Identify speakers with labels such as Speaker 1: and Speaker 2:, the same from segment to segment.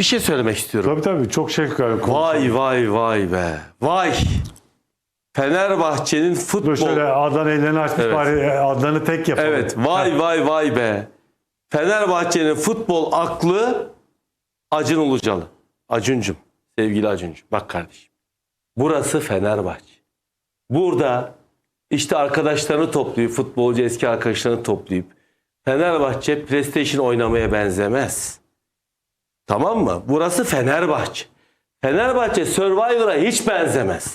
Speaker 1: bir şey söylemek istiyorum.
Speaker 2: Tabii çok şey
Speaker 1: Vay vay vay be. Vay. Fenerbahçe'nin futbol...
Speaker 2: Dur şöyle Adnan ellerini açmış
Speaker 1: Evet.
Speaker 2: bari Adnan'ı tek yapalım.
Speaker 1: Evet. Vay vay vay be. Fenerbahçe'nin futbol aklı Acun Ilıcalı. Acuncum. Sevgili Acuncum. Bak kardeşim. Burası Fenerbahçe. Burada işte arkadaşlarını toplayıp, futbolcu eski arkadaşlarını toplayıp Fenerbahçe PlayStation oynamaya benzemez. Tamam mı? Burası Fenerbahçe. Fenerbahçe Survivor'a hiç benzemez.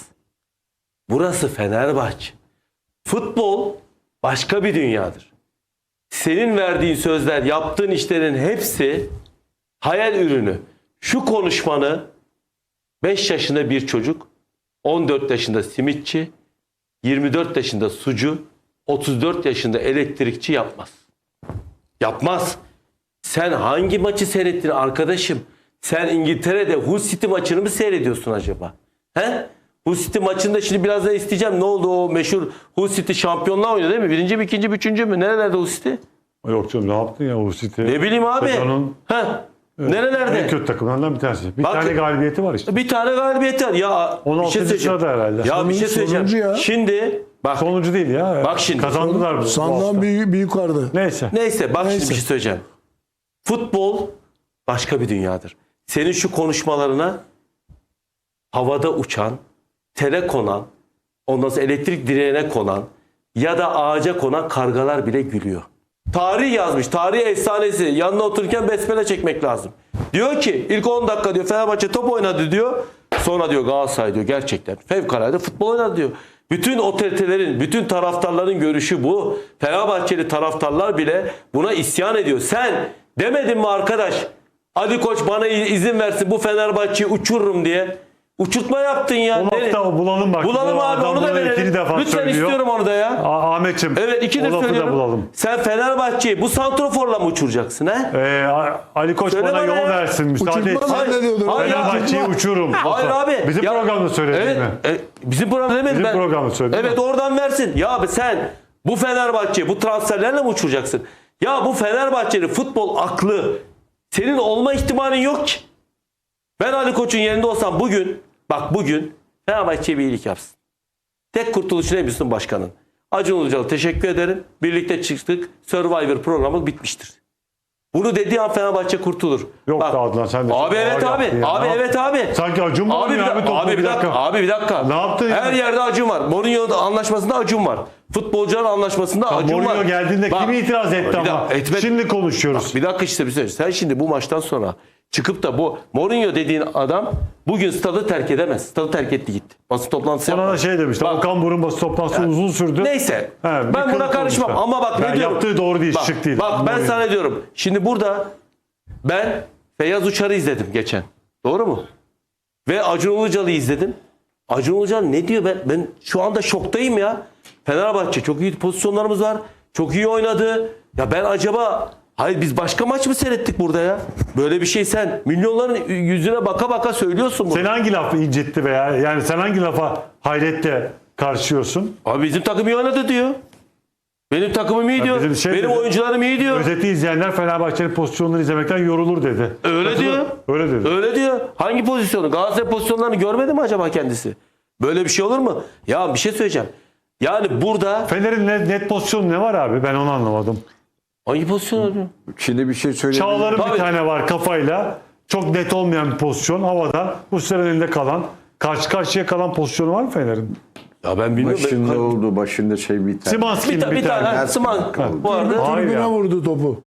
Speaker 1: Burası Fenerbahçe. Futbol başka bir dünyadır. Senin verdiğin sözler, yaptığın işlerin hepsi hayal ürünü. Şu konuşmanı 5 yaşında bir çocuk, 14 yaşında simitçi, 24 yaşında sucu, 34 yaşında elektrikçi yapmaz. Yapmaz. Sen hangi maçı seyrettin arkadaşım? Sen İngiltere'de Hull City maçını mı seyrediyorsun acaba? He? Hull City maçında şimdi birazdan isteyeceğim. Ne oldu o meşhur Hull City şampiyonluğa oynuyor değil mi? Birinci mi, ikinci mi, üçüncü mü? Nerelerde Hull City?
Speaker 2: Yok canım ne yaptın ya o City?
Speaker 1: Ne bileyim abi.
Speaker 2: Sezonun
Speaker 1: Nerelerde?
Speaker 2: en kötü takımlarından bir tanesi. Bir
Speaker 1: Bak-
Speaker 2: tane galibiyeti var işte.
Speaker 1: Bir tane galibiyeti var. Ya
Speaker 2: 16. sırada herhalde.
Speaker 1: Ya bir şey söyleyeceğim.
Speaker 3: Sonuncu ya.
Speaker 1: Şimdi bak
Speaker 2: Sonuncu değil ya.
Speaker 1: Bak şimdi.
Speaker 2: Kazandılar bu
Speaker 3: Sandan
Speaker 2: hafta.
Speaker 3: bir yukarıda.
Speaker 2: Neyse.
Speaker 1: neyse bak şimdi
Speaker 3: Neyse.
Speaker 1: bir şey söyleyeceğim. Futbol başka bir dünyadır. Senin şu konuşmalarına havada uçan, tere konan, ondan sonra elektrik direğine konan ya da ağaca konan kargalar bile gülüyor. Tarih yazmış. Tarih efsanesi. Yanına otururken besmele çekmek lazım. Diyor ki ilk 10 dakika diyor Fenerbahçe top oynadı diyor. Sonra diyor Galatasaray diyor gerçekten fevkalade futbol oynadı diyor. Bütün otoritelerin, bütün taraftarların görüşü bu. Fenerbahçeli taraftarlar bile buna isyan ediyor. Sen demedin mi arkadaş? Ali Koç bana izin versin bu Fenerbahçe'yi uçururum diye. Uçurtma yaptın ya.
Speaker 2: O lafta bulalım bak.
Speaker 1: Bulalım
Speaker 2: Bu
Speaker 1: abi
Speaker 2: adam
Speaker 1: onu da
Speaker 2: bunu
Speaker 1: verelim.
Speaker 2: ikinci defa
Speaker 1: Lütfen
Speaker 2: söylüyor.
Speaker 1: istiyorum onu da ya.
Speaker 2: Ahmetciğim.
Speaker 1: Evet ikidir
Speaker 2: o lafı da
Speaker 1: söylüyorum.
Speaker 2: bulalım.
Speaker 1: Sen Fenerbahçe'yi bu santroforla mı uçuracaksın he?
Speaker 2: Ali Koç
Speaker 1: Söyle
Speaker 2: bana
Speaker 1: bana
Speaker 2: yol
Speaker 1: ya.
Speaker 2: versin. Müsaade et.
Speaker 3: Uçurtma zannediyordum.
Speaker 1: Hayır ya.
Speaker 2: Fenerbahçe'yi uçurum.
Speaker 1: Hayır abi.
Speaker 2: Bizim
Speaker 1: Ya-
Speaker 2: programda söyledin
Speaker 1: evet,
Speaker 2: mi?
Speaker 1: bizim programda demedim
Speaker 2: Bizim
Speaker 1: ben.
Speaker 2: programda söyledin
Speaker 1: Evet
Speaker 2: mi?
Speaker 1: oradan versin. Ya abi sen bu Fenerbahçe'yi bu transferlerle mi uçuracaksın? Ya bu Fenerbahçe'nin futbol aklı senin olma ihtimalin yok ki. Ben Ali Koç'un yerinde olsam bugün Fenerbahçe'ye bir iyilik yapsın. Tek kurtuluşu ne biliyorsun başkanın? Acun Ilıcalı teşekkür ederim. Birlikte çıktık. Survivor programı bitmiştir. Bunu dediği an Fenerbahçe kurtulur.
Speaker 2: Yok
Speaker 1: Bak,
Speaker 2: da Adnan sen de.
Speaker 1: Abi
Speaker 2: çok
Speaker 1: evet
Speaker 2: ağır
Speaker 1: abi.
Speaker 2: yaptın ya.
Speaker 1: Abi
Speaker 2: Ne
Speaker 1: evet
Speaker 2: yaptın?
Speaker 1: abi.
Speaker 2: Sanki Acun mu
Speaker 1: Abi bir
Speaker 2: oynuyor
Speaker 1: dakika.
Speaker 2: topu?
Speaker 1: Abi bir dakika. Abi bir dakika.
Speaker 2: Ne yaptın
Speaker 1: Her
Speaker 2: ya?
Speaker 1: yerde Acun var. Mourinho anlaşmasında Acun var. Futbolcular anlaşmasında Acun var.
Speaker 2: Mourinho geldiğinde
Speaker 1: Bak,
Speaker 2: kim itiraz etti
Speaker 1: bir
Speaker 2: ama?
Speaker 1: dakika, etmedi.
Speaker 2: Şimdi konuşuyoruz.
Speaker 1: Bir dakika işte bir şey. Sen şimdi bu maçtan sonra çıkıp da bu Mourinho dediğin adam bugün stadı terk edemez. Stadı terk etti gitti. Basın toplantısı
Speaker 2: Sana da
Speaker 1: yapmadı.
Speaker 2: şey demişti.
Speaker 1: Bak,
Speaker 2: Okan Burun basın toplantısı uzun sürdü.
Speaker 1: Neyse.
Speaker 2: He, bir
Speaker 1: Ben buna
Speaker 2: kılık
Speaker 1: karışmam
Speaker 2: olmuş.
Speaker 1: ama bak ne
Speaker 2: Yani
Speaker 1: diyorum.
Speaker 2: yaptığı doğru değil,
Speaker 1: Bak,
Speaker 2: şık değil.
Speaker 1: Bak ben
Speaker 2: Mourinho.
Speaker 1: sana diyorum. Şimdi burada ben Feyyaz Uçar'ı izledim geçen. Doğru mu? Ve Acun Ilıcalı'yı izledim. Acun Ilıcalı ne diyor? Ben şu anda şoktayım ya. Fenerbahçe çok iyi pozisyonlarımız var. Çok iyi oynadı. Ya ben acaba hayır biz başka maç mı seyrettik burada ya? Böyle bir şey sen milyonların yüzüne baka baka söylüyorsun bunu.
Speaker 2: Sen hangi lafı incitti veya yani sen hangi lafa hayretle karşıyorsun?
Speaker 1: Abi bizim takım iyi oynadı diyor. Benim takımım iyi diyor.
Speaker 2: bizim şey
Speaker 1: Benim
Speaker 2: dedi,
Speaker 1: oyuncularım iyi diyor.
Speaker 2: Özeti izleyenler Fenerbahçe'nin pozisyonlarını izlemekten yorulur dedi.
Speaker 1: Öyle
Speaker 2: Katılır-
Speaker 1: diyor.
Speaker 2: Öyle dedi.
Speaker 1: Öyle diyor. Hangi pozisyonu? Galatasaray pozisyonlarını görmedi mi acaba kendisi? Böyle bir şey olur mu? Ya bir şey söyleyeceğim. Yani burada
Speaker 2: Fener'in net pozisyonu ne var abi? Ben onu anlamadım.
Speaker 1: hangi pozisyon oluyor?
Speaker 4: Şimdi bir şey söyleyeyim.
Speaker 2: Çağlar'ın
Speaker 1: Tabii.
Speaker 2: bir tane var kafayla. Çok net olmayan bir pozisyon. Havada. Bu sefer elinde kalan. Karşı karşıya kalan pozisyonu var mı Fener'in?
Speaker 1: Ya ben bilmiyorum.
Speaker 4: Başında oldu. Başında şey bir tane.
Speaker 2: Simanskin
Speaker 1: Bir tane
Speaker 2: bir tane.
Speaker 1: Sıman vardı.
Speaker 2: Hayır
Speaker 3: Tribüne
Speaker 2: ya.
Speaker 3: vurdu topu.